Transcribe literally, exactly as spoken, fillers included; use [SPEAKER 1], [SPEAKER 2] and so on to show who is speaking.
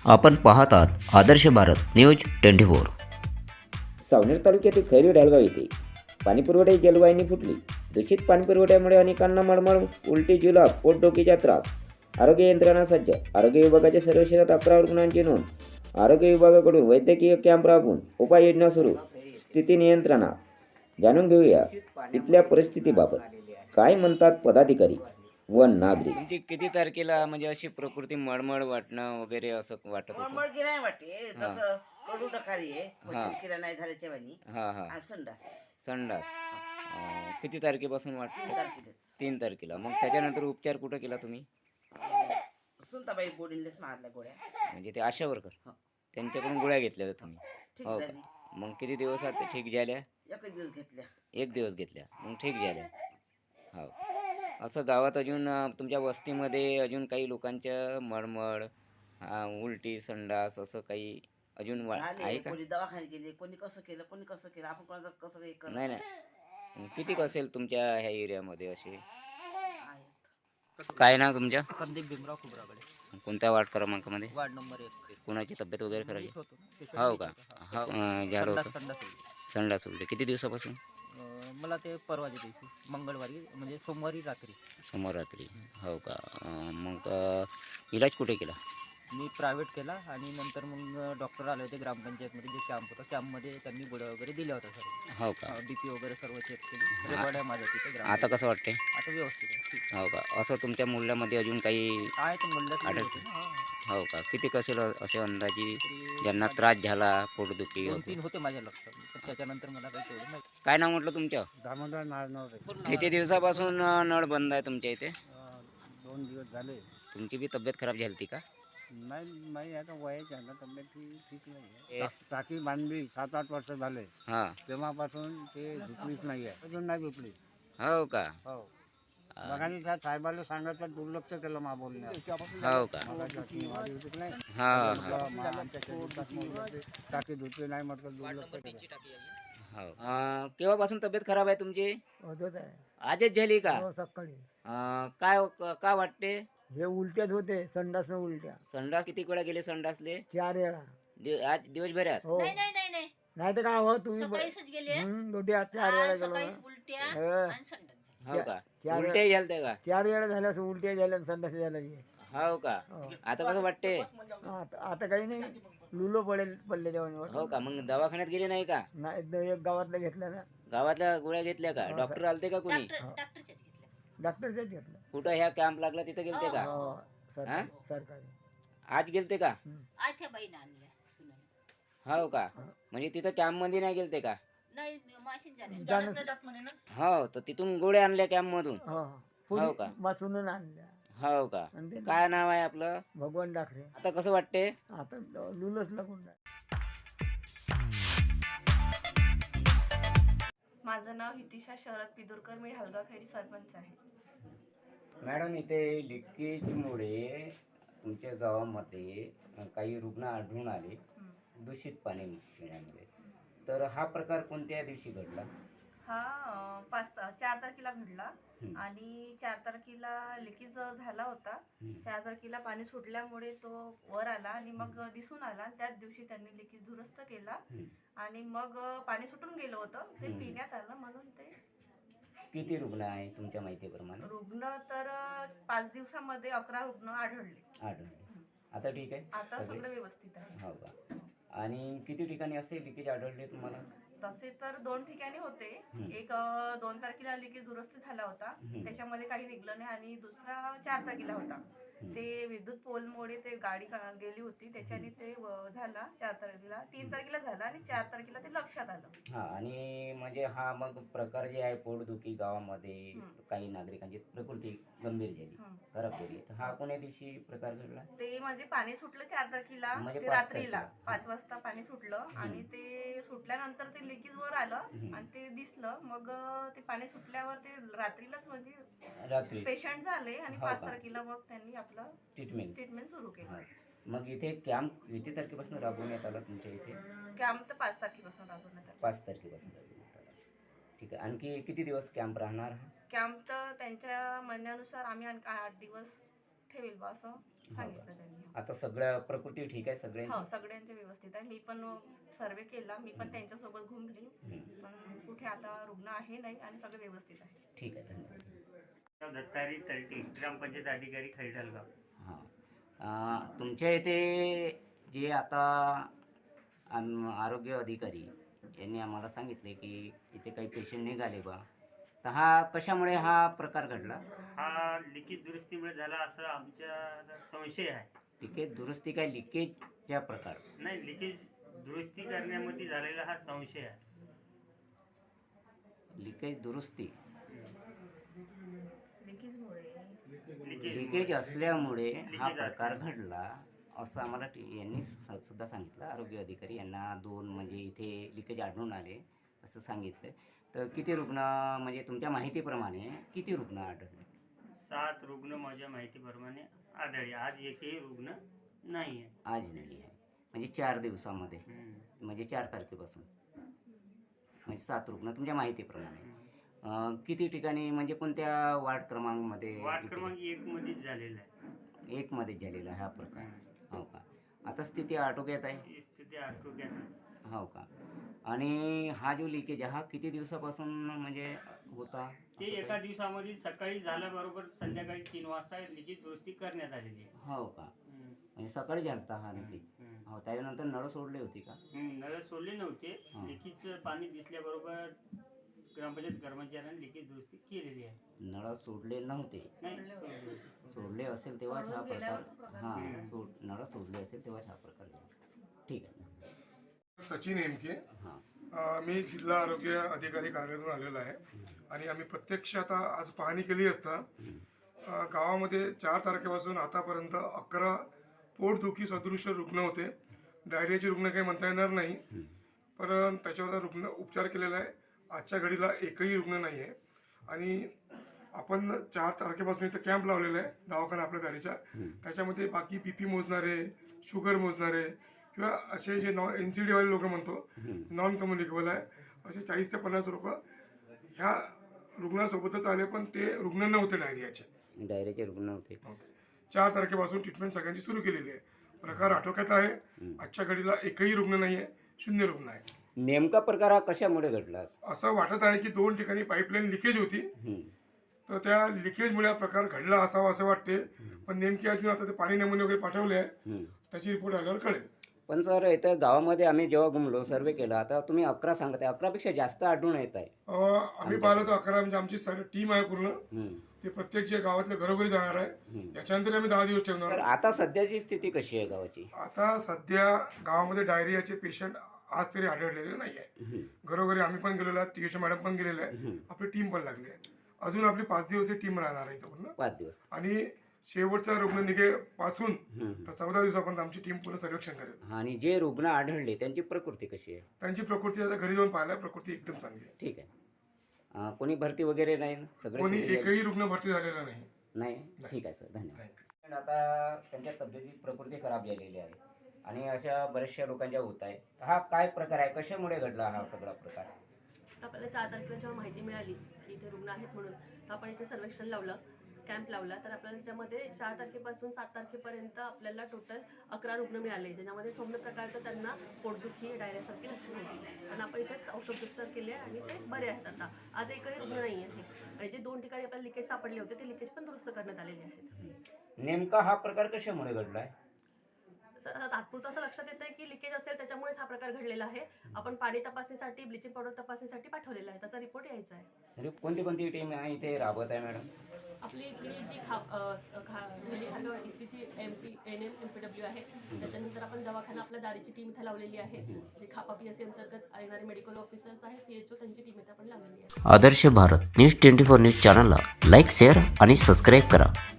[SPEAKER 1] आपण पाहत आहात Adarsh Bharat news twenty four.
[SPEAKER 2] Saoner तालुक्यातील खैरी ढालगाव येथे पाणीपुरवठ्याची जलवाहिनी फुटली. दूषित पाणीपुरवठ्यामुळे अनेकांना मळमळ, उलटी, जुलाब, पोटदुखीचा त्रास. आरोग्य यंत्रणा सज्ज. आरोग्य विभागाच्या सर्व शहरात अकरा रुग्णांची नोंद. आरोग्य विभागाकडून वैद्यकीय कॅम्प राबवून उपाययोजना सुरू. स्थिती नियंत्रणात. जाणून घेऊया इथल्या परिस्थितीबाबत काय म्हणतात पदाधिकारी व नागरिक.
[SPEAKER 1] तुमची किती तारखेला म्हणजे अशी प्रकृती मळमळ वाटणं वगैरे असं वाटत होतं?
[SPEAKER 3] मळमळ की नाही वाटते तसं कडू टकारी आहे
[SPEAKER 1] हा.
[SPEAKER 3] किरा नाही झाल्याच्या वाणी
[SPEAKER 1] हा हा
[SPEAKER 3] आणि संडास
[SPEAKER 1] संडास. अं, किती तारखेपासून वाटतं?
[SPEAKER 3] तारखेलाच.
[SPEAKER 1] तीन तारखेला. मग त्याच्यानंतर उपचार कुठं केला तुम्ही?
[SPEAKER 3] सुनताबाई गोडींलेच मारल्या गोळ्या
[SPEAKER 1] म्हणजे ते आशा वर्कर
[SPEAKER 3] हा.
[SPEAKER 1] त्यांच्याकडून गोळ्या घेतल्या होत्या तुम्ही?
[SPEAKER 3] ठीक
[SPEAKER 1] हो का?
[SPEAKER 3] झाली.
[SPEAKER 1] मग किती दिवसात ते ठीक झाल्या?
[SPEAKER 3] एकच दिवस घेतल्या.
[SPEAKER 1] एक दिवस घेतल्या मग ठीक झाल्या. हो. असं गावात अजून अं, तुमच्या वस्तीमध्ये अजून काही लोकांच्या मळमळ, अं, उलटी, संडास असं काही अजून वा- आहे
[SPEAKER 3] झाले
[SPEAKER 1] का?
[SPEAKER 3] कोणी दवाखाने गेले, कोणी कसं केलं, कोणी कसं केलं, आपण कोणाचं कसं हे करत
[SPEAKER 1] नाही नाही. किती असेल तुमच्या ह्या एरियामध्ये असे?
[SPEAKER 3] आहे.
[SPEAKER 1] काय नाव तुमच्या?
[SPEAKER 4] संदीप भीमराव खुबराकडे,
[SPEAKER 1] कोणत्या वार्ड क्रमांकामध्ये?
[SPEAKER 4] वार्ड नंबर एक.
[SPEAKER 1] कोणाची तब्येत वगैरे खराब
[SPEAKER 4] मीच
[SPEAKER 1] आहे?
[SPEAKER 4] होतो ना, त्याच्यावर
[SPEAKER 1] हो
[SPEAKER 4] मीच
[SPEAKER 1] का?
[SPEAKER 4] होतो.
[SPEAKER 1] हो
[SPEAKER 4] हा.
[SPEAKER 1] अं, झालं
[SPEAKER 4] संडास
[SPEAKER 1] होतं.
[SPEAKER 4] संडास होती.
[SPEAKER 1] संडास उलटी किती दिवसापासून?
[SPEAKER 4] अं, मला ते परवाच्या दिवशी मंगळवारी म्हणजे सोमवारी रात्री
[SPEAKER 1] समोर रात्री. हो का? अं, मग अं, इलाज कुठे केला?
[SPEAKER 4] मी प्रायव्हेट केला आणि नंतर मग डॉक्टर आले होते ग्रामपंचायतमध्ये, जे कॅम्प होता कॅम्पमध्ये त्यांनी गोळ्या वगैरे दिल्या होत्या सर्व.
[SPEAKER 1] हो का?
[SPEAKER 4] बी पी वगैरे सर्व चेक केली. रेकॉर्ड आहे माझ्या तिथे ग्राम.
[SPEAKER 1] आता कसं वाटते?
[SPEAKER 4] आता व्यवस्थित आहे, ठीक
[SPEAKER 1] हो का? असं तुमच्या मुलामध्ये अजून काही?
[SPEAKER 4] आहे. ते म्हणलं
[SPEAKER 1] आढळते.
[SPEAKER 4] होते ना, हा.
[SPEAKER 1] हो का? किती कसेल असे अंदाजी
[SPEAKER 4] तरी
[SPEAKER 1] ज्यांना
[SPEAKER 4] माझे
[SPEAKER 1] त्रास झाला, पोटदुखी
[SPEAKER 4] दोन
[SPEAKER 1] वगैरे?
[SPEAKER 4] तीन होते माझ्या लक्षात, पण त्याच्यानंतर मला काही तेवढं माहिती.
[SPEAKER 1] काय नाव म्हटलं तुमचं?
[SPEAKER 5] दामोदर नारनवरे.
[SPEAKER 1] किती दिवसापासून अं, नळ बंद आहे तुमच्या इथे?
[SPEAKER 5] अं, दोन दिवस झाले.
[SPEAKER 1] तुमची बी तब्येत खराब झाली होती का?
[SPEAKER 5] नाही नाही आता वयाची आहे ना, तब्येत ठी- ठीक नाही
[SPEAKER 1] ए.
[SPEAKER 5] आहे. टाकी बांधली सात आठ वर्ष झाले,
[SPEAKER 1] हां.
[SPEAKER 5] तेव्हापासून ते झुकलीच नाही आहे, अजून नाही झुकली.
[SPEAKER 1] हो का?
[SPEAKER 5] हो,
[SPEAKER 1] अं,
[SPEAKER 5] बघाने त्या साहेबाला सांगायचं दुर्लक्ष केलं मा बोलण्यात.
[SPEAKER 1] हो का?
[SPEAKER 5] मगाची टाकी वाढी होती की नाही,
[SPEAKER 1] हा हा
[SPEAKER 5] म्हटलं, मा आमच्या शेतात म्हटलं ते टाकी धुतली नाही, म्हटलं दुर्लक्ष केलं.
[SPEAKER 1] हो. अं, केव्हापासून तब्येत खराब आहे तुमची?
[SPEAKER 6] होतच आहे.
[SPEAKER 1] आजच झाली का?
[SPEAKER 6] हो, सकाळी
[SPEAKER 1] अं, काय का वाटते?
[SPEAKER 6] हे उलट्याच होते, संडास न उलट्या
[SPEAKER 1] संडास किती वेळा गेले संडासले?
[SPEAKER 6] चार वेळा.
[SPEAKER 1] दि- आज दिवसभरात?
[SPEAKER 6] हो,
[SPEAKER 7] नाही नाही नाही नाही
[SPEAKER 6] नाही तर काय हो तुम्ही
[SPEAKER 7] सकाळीच गेले
[SPEAKER 6] हम्म, दोघे आत चार वेळा
[SPEAKER 7] आज
[SPEAKER 6] गेलो
[SPEAKER 7] सकाळी
[SPEAKER 6] ना.
[SPEAKER 7] उलट्या
[SPEAKER 6] हो,
[SPEAKER 7] आणि संडास झाली.
[SPEAKER 1] हो का?
[SPEAKER 6] चार वेळा
[SPEAKER 1] उलटे झालते का?
[SPEAKER 6] चार वेळा झाल्या असं उलट्या झाल्या आणि संडास झाल्या हे.
[SPEAKER 1] हो का?
[SPEAKER 6] हो.
[SPEAKER 1] आता कसं वाटते?
[SPEAKER 6] आता आता काही नाही, लुलो पडेल पडले जेवण.
[SPEAKER 1] हो का? मग दवाखान्यात गेले नाही का?
[SPEAKER 6] नाही एकदा एक गावातलं घेतलं ना,
[SPEAKER 1] गावातल्या गोळ्या घेतल्या का?
[SPEAKER 6] हो,
[SPEAKER 1] डॉक्टर आलते का कोणी?
[SPEAKER 7] डॉक्टर
[SPEAKER 6] हो.
[SPEAKER 7] डॉक्टरच्याच घेतल्या.
[SPEAKER 6] डॉक्टरच्याच घेतलं.
[SPEAKER 1] कुठं ह्या कॅम्प लागला तिथे गेलते का?
[SPEAKER 6] हो,
[SPEAKER 1] हा?
[SPEAKER 6] सरकारी सरकारी.
[SPEAKER 1] आज गेलते का?
[SPEAKER 7] आज त्या बाईनं आणल्या सुनाने.
[SPEAKER 1] हो का? म्हणजे तिथं कॅम्प मध्ये नाही गेलते का?
[SPEAKER 7] नाही माशीन झाले
[SPEAKER 6] जाणं-
[SPEAKER 1] हो, तर तिथून गोळ्या आणल्या कॅम्प मधून?
[SPEAKER 6] हो,
[SPEAKER 1] हो
[SPEAKER 6] पुरी
[SPEAKER 1] का?
[SPEAKER 6] मासून आणल्या.
[SPEAKER 1] हो का?
[SPEAKER 6] आणि ते
[SPEAKER 1] काय नाव आहे आपलं?
[SPEAKER 6] भगवान डाकरे.
[SPEAKER 1] आता कसं वाटते?
[SPEAKER 6] आता लुलच लागून राहिलं.
[SPEAKER 8] माझं नाव हितिशा शरद पिदुरकर, मी ढालगाव खैरी सरपंच आहे.
[SPEAKER 1] मॅडम, इथे लिकेजमुळे तुमच्या गावामध्ये काही रुग्ण आढळून आले दूषित पाणी पिण्यामुळे. तर हा प्रकार कोणत्या दिवशी घडला?
[SPEAKER 8] हा अं, पाच चार तारखेला घडला
[SPEAKER 1] हं.
[SPEAKER 8] आणि चार तारखेला लिकेज झाला होता.
[SPEAKER 1] हं.
[SPEAKER 8] चार तारखेला पाणी सुटल्यामुळे तो वर आला आणि मग दिसून आला आणि त्याच दिवशी त्यांनी लिकेज दुरुस्त केला
[SPEAKER 1] हं.
[SPEAKER 8] आणि मग पाणी सुटून गेलं होतं, ते
[SPEAKER 1] हं.
[SPEAKER 8] पिण्यात आलं म्हणून ते.
[SPEAKER 1] किती रुग्ण आहे तुमच्या माहितीप्रमाणे?
[SPEAKER 8] रुग्ण तर अं, पाच दिवसामध्ये अकरा रुग्ण आढळले.
[SPEAKER 1] आढळले. आता ठीक आहे?
[SPEAKER 8] आता
[SPEAKER 1] सगळे?
[SPEAKER 8] सगळं व्यवस्थित आहे.
[SPEAKER 1] हो का? आणि किती ठिकाणी असे लिकेज आढळले तुम्हाला?
[SPEAKER 8] तसे तर दोन ठिकाणी होते.
[SPEAKER 1] हं.
[SPEAKER 8] एक अ, दोन तारखेला लिकेज दुरुस्त झाला होता,
[SPEAKER 1] हं.
[SPEAKER 8] त्याच्यामध्ये काही निघलं नाही. आणि दुसरा चार तारखेला होता,
[SPEAKER 1] हं.
[SPEAKER 8] ते विद्युत पोलमुळे ते गाडी का- गेली होती, त्याच्याने ते व- झाला चार तारखेला. तीन तारखेला झाला आणि चार तारखेला ते लक्षात आलं.
[SPEAKER 1] हा, आणि म्हणजे हा मग प्रकार जे आहे पोटदुखी गावामध्ये
[SPEAKER 8] हं.
[SPEAKER 1] काही नागरिकांची प्रकृती गंभीर झाली,
[SPEAKER 8] हं.
[SPEAKER 1] खराब झाली, तर हा कोण्या दिवशी प्रकार घडला?
[SPEAKER 8] ते म्हणजे पाणी सुटलं चार तारखेला,
[SPEAKER 1] म्हणजे
[SPEAKER 8] ते
[SPEAKER 1] पाच
[SPEAKER 8] रात्रीला
[SPEAKER 1] तारखेला.
[SPEAKER 8] पाच वाजता पाणी सुटलं आणि ते सुटल्यानंतर ते लिकेज वर आलं
[SPEAKER 1] हं.
[SPEAKER 8] आणि ते दिसलं. मग अ, ते पाणी सुटल्यावर ते रात्रीलाच म्हणजे
[SPEAKER 1] रात्री
[SPEAKER 8] पेशंट झाले आणि
[SPEAKER 1] हो
[SPEAKER 8] पाच
[SPEAKER 1] का?
[SPEAKER 8] तारखेला मग त्यांनी आपलं
[SPEAKER 1] ट्रीटमेंट.
[SPEAKER 8] ट्रीटमेंट सुरू केलं.
[SPEAKER 1] हा. मग इथे कॅम्प किती तारखेपासून राबवण्यात आला तुमच्या इथे?
[SPEAKER 8] कॅम्प तर पाच तारखेपासून राबवण्यात आला.
[SPEAKER 1] पाच तारखेपासून राबवण्यात आला. ठीक आहे. आणखी किती दिवस कॅम्प राहणार हा?
[SPEAKER 8] कॅम्प तर त्यांच्या म्हणण्यानुसार आम्ही आणखी आठ दिवस ठेवेल बा असं सांगितलं त्यांनी.
[SPEAKER 1] आता सगळ्या प्रकृती ठीक आहे सगळ्यांची?
[SPEAKER 8] हो, सगळ्यांचे व्यवस्थित आहे. मी पण सर्वे केला, मी पण त्यांच्यासोबत घुमली,
[SPEAKER 1] हम्म.
[SPEAKER 8] पण कुठे आता रुग्ण आहे नाही आणि सगळे व्यवस्थित आहे.
[SPEAKER 1] ठीक आहे, धन्यवाद.
[SPEAKER 9] दत्तारी तर्टी ग्रामपंचायत अधिकारी खैरडलगाव.
[SPEAKER 1] हां अं, तुमच्या इथे जे आता आम- आरोग्य अधिकारी यांनी आम्हाला सांगितले की इथे काही पेशंट निघाले बा, तर हा कशामुळे हा प्रकार घडला?
[SPEAKER 9] हा लिखित दुरुस्तीमुळे झाला असं आमच्या संशय आहे.
[SPEAKER 1] लिकेज दुरुस्ती काय लिकेजच्या प्रकार?
[SPEAKER 9] नाही, लिकेज दुरुस्ती करण्यामध्ये झालेला हा संशय आहे.
[SPEAKER 1] लिकेज दुरुस्ती
[SPEAKER 9] लिकेज
[SPEAKER 1] लिकेज असल्यामुळे हा
[SPEAKER 9] लिकेज
[SPEAKER 1] प्रकार
[SPEAKER 9] असल्यामुळे.
[SPEAKER 1] घडला असं आम्हाला टी- यांनी स- सुद्धा सांगितलं. आरोग्य अधिकारी यांना दोन म्हणजे इथे लिकेज आढळून आले असं सांगितलं. तर किती रुग्ण म्हणजे तुमच्या माहितीप्रमाणे किती रुग्ण आढळले?
[SPEAKER 9] सात रुग्ण माझ्या माहितीप्रमाणे आढळले. आज एकही रुग्ण नाही आहे.
[SPEAKER 1] आज नाही आहे म्हणजे चार दिवसामध्ये,
[SPEAKER 9] हम्म.
[SPEAKER 1] म्हणजे चार तारखेपासून म्हणजे सात रुग्ण तुमच्या माहितीप्रमाणे.
[SPEAKER 9] हम्म.
[SPEAKER 1] अं, किती ठिकाणी म्हणजे कोणत्या वार्ड क्रमांकमध्ये?
[SPEAKER 9] वार्ड क्रमांक एक मध्येच झालेला आहे.
[SPEAKER 1] एकमध्ये झालेला हा प्रकार.
[SPEAKER 9] हम्म.
[SPEAKER 1] हो का? आता स्थिती आटोक्यात आहे?
[SPEAKER 9] ही स्थिती आटोक्यात आहे.
[SPEAKER 1] हो का? आणि हा जो लिकेज आहे हा किती दिवसापासून म्हणजे होता?
[SPEAKER 9] ते
[SPEAKER 1] असं
[SPEAKER 9] एका
[SPEAKER 1] काही?
[SPEAKER 9] दिवसामध्ये सकाळी झाल्याबरोबर संध्याकाळी तीन वाजता लिखित दुरुस्ती करण्यात आलेली आहे.
[SPEAKER 1] हो का?
[SPEAKER 9] हम्म.
[SPEAKER 1] म्हणजे सकाळी झालता हा लिकेज?
[SPEAKER 9] हम्म.
[SPEAKER 1] हो, त्याच्यानंतर नळ सोडली होती का?
[SPEAKER 9] हम्म, नळ सोडले नव्हते.
[SPEAKER 1] हा.
[SPEAKER 9] लिकीचं पाणी दिसल्याबरोबर ग्रामपंचायत कर्मचाऱ्यांनी लिकेज दुरुस्ती केलेली आहे.
[SPEAKER 1] नळ सोडले नव्हते?
[SPEAKER 9] नाही, सोडले होते.
[SPEAKER 1] सोडले असेल तेव्हाच हा प्रकार. हां,
[SPEAKER 9] हम्म.
[SPEAKER 1] सोड नळ सोडले असेल तेव्हाच हा प्रकार झाला. ठीक आहे.
[SPEAKER 10] सचिन हेमके.
[SPEAKER 1] हां.
[SPEAKER 10] अ, मी जिल्हा आरोग्य अधिकारी कार्यालयातून आलेलो आहे आणि आम्ही प्रत्यक्ष आता आज पाहणी केली असता अ, गावामध्ये चार तारखेपासून आतापर्यंत अकरा पोटदुखी सदृश रुग्ण होते. डायरियाचे रुग्ण काही म्हणता येणार नाही, पण त्याच्यावर रुग्ण उपचार केलेला आहे. आजच्या घडीला एकही रुग्ण नाही आहे आणि आपण चार तारखेपासून इथं कॅम्प लावलेला आहे दवाखाना आपल्या दारीच्या. त्याच्यामध्ये बाकी बी पी मोजणारे, शुगर मोजणारे किंवा असे जे नॉन एन सी डीवाले लोक म्हणतो नॉन कम्युनिकेबल आहे, असे चाळीस ते पन्नास लोक ह्या रुग्णासोबतच आले, पण ते रुग्ण नव्हते डायरियाचे.
[SPEAKER 1] डायरियाचे रुग्ण होते.
[SPEAKER 10] चार तारखेपासून ट्रीटमेंट सगळ्यांची सुरू केलेली आहे. प्रकार आटोक्यात आहे. आजच्या घडीला एकही रुग्ण नाही आहे, शून्य रुग्ण आहे.
[SPEAKER 1] नेमका प्रकार हा कशामुळे घडला?
[SPEAKER 10] असं वाटत आहे की दोन ठिकाणी पाईपलाईन लिकेज होती,
[SPEAKER 1] हम्म.
[SPEAKER 10] तर त्या लिकेजमुळे हा प्रकार घडला असावा असं वाटते. पण नेमकी अजून आता ते पाणी नमुने वगैरे पाठवले आहे,
[SPEAKER 1] हम्म.
[SPEAKER 10] त्याची रिपोर्ट आल्यावर कळेल.
[SPEAKER 1] पण सर इथं गावामध्ये आम्ही जेव्हा घुमलो सर्वे केला, आता तुम्ही अकरा सांगत आहे, अकरापेक्षा जास्त आढळून येत आहे.
[SPEAKER 10] अं, आम्ही पाहिलं तर अकरा म्हणजे आमची सारी टीम आहे पूर्ण.
[SPEAKER 1] हम्म.
[SPEAKER 10] ते प्रत्येक जे गावातल्या घरोघरी जाणार आहे.
[SPEAKER 1] हम्म.
[SPEAKER 10] याच्यानंतर आम्ही दहा दिवस ठेवणार
[SPEAKER 1] तर
[SPEAKER 10] आहोत.
[SPEAKER 1] आता सध्याची स्थिती कशी आहे गावाची?
[SPEAKER 10] आता सध्या गावामध्ये डायरियाचे पेशंट आज तरी आढळलेले नाही आहे.
[SPEAKER 1] हम्म.
[SPEAKER 10] घरोघरी आम्ही पण गेलेलो आहे, टी एच मॅडम पण गेलेले आहे,
[SPEAKER 1] हम्म.
[SPEAKER 10] आपली टीम पण लागली आहे. अजून आपली पाच दिवस टीम राहणार आहे इथं पूर्ण.
[SPEAKER 1] पाच दिवस.
[SPEAKER 10] आणि शेवटचा रुग्ण निघेपासून
[SPEAKER 1] हम्म.
[SPEAKER 10] तर चौदा दिवसापर्यंत आमची टीम पूर्ण सर्वेक्षण करेल.
[SPEAKER 1] आणि जे रुग्ण आढळले त्यांची प्रकृती कशी आहे?
[SPEAKER 10] त्यांची प्रकृती आता घरी जाऊन पाहायला प्रकृती एकदम चांगली आहे.
[SPEAKER 1] ठीक आहे. अं, कोणी भरती वगैरे नाही ना? सगळे
[SPEAKER 10] कोणी
[SPEAKER 1] सुरू झाले?
[SPEAKER 10] एकही रुग्ण भरती झालेला नाही.
[SPEAKER 1] नाही. ठीक आहे सर, धन्यवाद. आता त्यांच्या तब्येती प्रकृती खराब झालेली आहे आणि अशा बऱ्याचशा लोकांच्या होत आहे. हा काय प्रकार आहे, कशामुळे घडला हा सगळा प्रकार?
[SPEAKER 11] आपल्याला चार तारखेला जेव्हा माहिती मिळाली की इथे रुग्ण आहेत म्हणून, तर आपण इथे सर्वेक्षण लावलं, कॅम्प लावला. तर आपल्याला त्याच्यामध्ये चार तारखेपासून सात तारखेपर्यंत आपल्याला टोटल अकरा रुग्ण मिळाले, ज्याच्यामध्ये सौम्य प्रकारचं त्यांना पोटदुखी, डायरियासारखी लक्षणं होती. आणि आपण इथेच औषधोपचार केले आणि ते बरे आहेत. आता आज एकही रुग्ण नाही आहे आणि जे दोन ठिकाणी आपल्याला लिकेज सापडले होते ते लिकेज पण दुरुस्त करण्यात आलेले आहेत.
[SPEAKER 1] नेमका हा प्रकार कशामुळे घडला आहे?
[SPEAKER 11] स- तात्पुरतं असं लक्षात येतं की लिकेज असेल त्याच्यामुळेच हा प्रकार घडलेला आहे. आपण पाणी तपासणीसाठी, ब्लिचिंग पावडर तपासणीसाठी पाठवलेला आहे, त्याचा रिपोर्ट यायचा आहे.
[SPEAKER 1] तरी कोणती कोणती टीम इथे राबत आहे मॅडम?
[SPEAKER 11] आपली इथली जी खा अ, खा ढोली खारगाव इथली G M P N M M P W आहे, त्याच्यानंतर आपण दवाखाना आपल्या दारीची टीम इथे लावलेली आहे. जी खापा पी एस सी अंतर्गत येणारे मेडिकल ऑफिसर्स आहे, सी एच ओ, त्यांची टीम इथे आपण लावलेली आहे.
[SPEAKER 2] Adarsh Bharat news twenty four news चॅनलला लाईक, शेअर आणि सबस्क्राईब करा.